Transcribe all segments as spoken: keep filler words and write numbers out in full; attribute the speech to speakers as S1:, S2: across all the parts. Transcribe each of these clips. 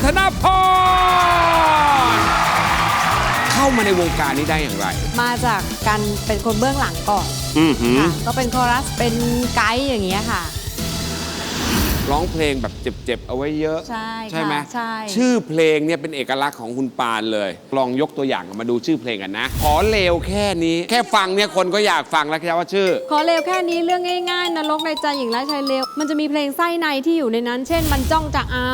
S1: ธนพรเข้ามาในวงการนี้ได้อย่างไร
S2: มาจากการเป็นคนเบื้องหลังก่อน
S1: อือหือ
S2: ค่ะก็เป็นคอรัสเป็นไกด์อย่างเงี้ยค่ะ
S1: ร้องเพลงแบบเจ็บๆเอาไว้เยอะ
S2: ใช่
S1: ใช่ไหม
S2: ใช่
S1: ชื่อเพลงเนี่ยเป็นเอกลักษณ์ของคุณปานเลย ลองยกตัวอย่างมาดูชื่อเพลงกันนะ ขอเลวแค่นี้ แค่ฟังเนี่ยคนก็อยากฟังแล้วครับว่าชื่อ
S2: ขอเลวแค่นี้เรื่องง่ายๆนรกในใจหญิงร้ายชายเลวมันจะมีเพลงไส้ในที่อยู่ในนั้น เช่นมันจ้องจะเอา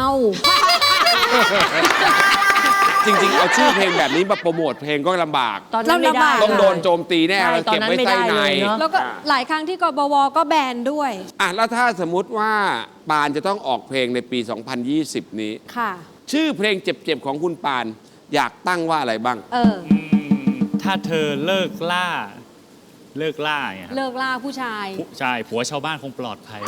S1: จริงๆ เอาชื่อเพลงแบบนี้มาโปรโมทเพลงก็ลำบาก
S3: ตอนนั้นไม่ได้
S1: ต้องโดนโจมตีแน่
S3: ใช่
S1: เราเก็บไว้
S3: ตอนนั้นไม่
S1: ใต้
S3: ได้
S1: ใน
S3: เลยเนอะ
S2: แล้วก็หลายครั้งที่กบวก็แบนด้วย
S1: อ่ะแล้วถ้าสมมุติว่าปานจะต้องออกเพลงในปี สองพันยี่สิบ นี้
S2: ค่ะ
S1: ชื่อเพลงเจ็บๆ ของคุณปานอยากตั้งว่าอะไรบ้าง
S2: เออ
S4: ถ้าเธอเลิกล่า เลิกล่าเนี่ยครับ
S2: เลิกล่าผู้ชาย
S4: ใช่ผัวชาวบ้านคงปลอดภัย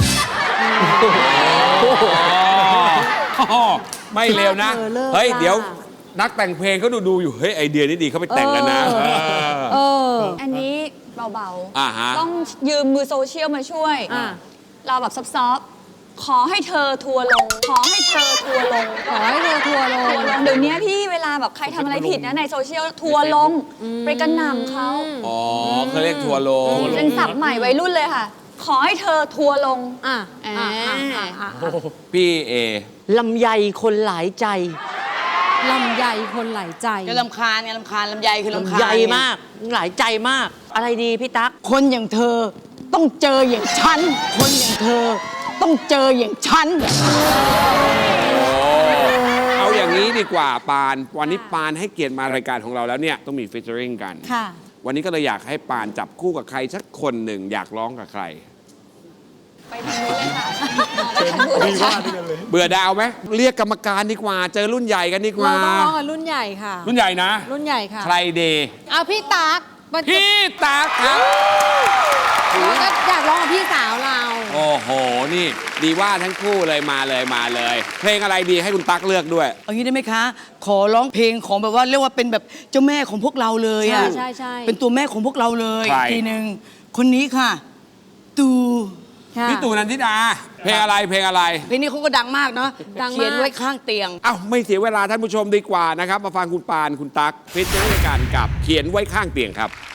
S1: ไม่เร็วนะ
S2: เออเลิก
S1: เฮ้ย
S2: ล่า
S1: เดี๋ยวนักแต่งเพลงเขาดูดูๆอยู่ เฮ้ย ไอเดียนี้ดีเขาไปแต่งกันนะ
S2: เออ เออ
S5: อันนี้เบา
S1: อ่าฮะ
S5: ๆ ต้องยืมมือโซเชียลมาช่วย
S2: อ่ะ
S5: เราแบบซอฟต์ๆขอให้เธอทัวร์ลง ขอให้เธอทัวร์ลง
S2: ขอให้เธอทัวร์ล
S5: ทัว
S2: ง
S5: ร์ลง เดี๋ยวนี้พี่เวลาแบบใครทำอะไรผิดนะในโซเชียลทัวร์ลง ไปกระหน่ำเขา
S1: อ๋อเขาเรียกทัวร์ลง
S5: เป็นศัพท์ใหม่วัยรุ่นเลยค่ะ ขอให้เธอทัวร์ลง
S2: อ่ะอ่ะอ่ะอ่ะอ่ะ
S1: พี่เอ
S3: ลำไยคนหลายใจ
S2: ลำไยคนหลายใจ
S6: ก็ลำคาญไงลำคาญลำไยคือลำคาญ
S3: ลำไย
S6: ไง
S3: มาก หลายใจมาก อะไรดีพี่ตั๊ก
S6: คนอย่างเธอต้องเจออย่างฉัน คนอย่างเธอต้องเจออย่างฉัน
S1: เอาอย่างนี้ดีกว่าปาน วันนี้ปานให้เกียรติมารายการของเราแล้วเนี่ยต้องมีฟีเจอริงกัน
S2: ค่ะ
S1: วันนี้ก็เลยอยากให้ปานจับคู่กับใครสักคนหนึ่งอยากร้องกับใคร
S5: ไปทางนู้นเลยค่ะไปทางนู้นเลยค่ะ
S1: เบื่อดาวไหมเรียกกรรมการดีกว่า เจอรุ่นใหญ่กันดีกว่า
S2: เราต้องร้องกับรุ่นใหญ่ค่ะ
S1: รุ่นใหญ่นะ
S2: รุ่นใหญ่ค่ะ
S1: ใครเดย์
S2: เอาพี่ตั๊กมัน
S1: พี่ตาครับ
S2: เราก็อยากร้องกับพี่สาวเรา
S1: โอ้โห นี่ดีว่าทั้งคู่เลยมาเลยมาเลย เพลงอะไรดีให้คุณตั๊กเลือกด้วย
S6: เอางี้ได้ไหมคะ ขอร้องเพลงของแบบว่าเรียกว่าเป็นแบบเจ้าแม่ของพวกเราเลยอ่ะ
S2: ใช่ใช่ใช่
S6: เป็นตัวแม่ของพวกเราเลย
S1: ใคร
S6: ทีหนึ่งคนนี้ค่ะ ตู
S2: ค่ะ
S1: พี่ตู่นันทิดา เพลงอะไรเพลงอะไร
S6: เพลงนี้เขาก็ดังมากเนาะ
S2: ดังมาก
S6: เขียนไว้ข้างเตียง
S1: เอ้าไม่เสียเวลาท่านผู้ชมดีกว่านะครับ มาฟังคุณปานคุณตั๊กฟิชเจอร์กันกับเขียนไว้ข้างเตียงครับ